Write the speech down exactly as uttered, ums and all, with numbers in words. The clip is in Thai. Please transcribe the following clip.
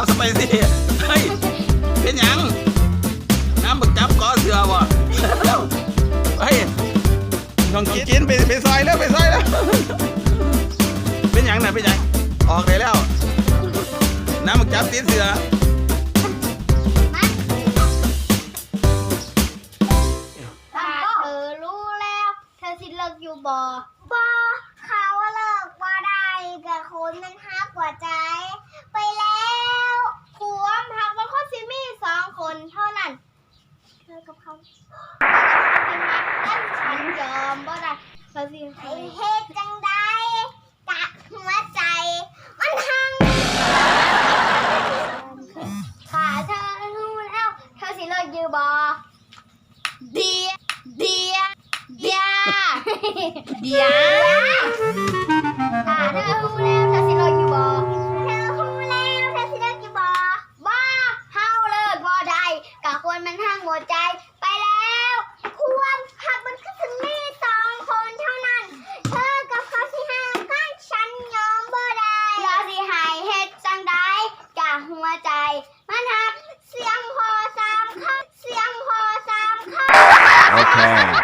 สไปซี่เฮ้ยเป็นหยังน้ำบักจับก้อเสือวะเฮ้ยน้องกินไปไปซอยแล้วไปซอยแล้วเป็นหยังน่ะเป็นหยังออกได้แล้วน้ำบักจับตีเสือถ้าเธอรู้แล้วเธอสิเลิกอยู่บ่บ่เขาเลิกว่าได้กับคนมันฮักกว่าใจไปแล้วความฮักมันคนสิมีสองคนเท่านั้นเธอกับเขานั่นฉันยอมบ่ได้เธอสิให้เฮ็ดจังใดกะหัวใจมันหังถ้าเธอรู้แล้วเธอสิเลิกอยู่บ่เดียเดียเดียเดียถ้าเธอรู้แล้วเธอสิเลิกอยู่บ่เธอรู้แล้วเธอสิเลิกอยู่บ่บ่เฮาเลิกบ่ได้กะควรมันหังหัวใจไปแล้วควรหักมันก็สิมีสองคนเท่านั้นเธอกับเขาสิห่างกันฉันยอมบ่ได้เราสิให้เฮ็ดจังใดกะหัวใจมันหักเสียงพอสามคำเสียงพอสามคำ Okay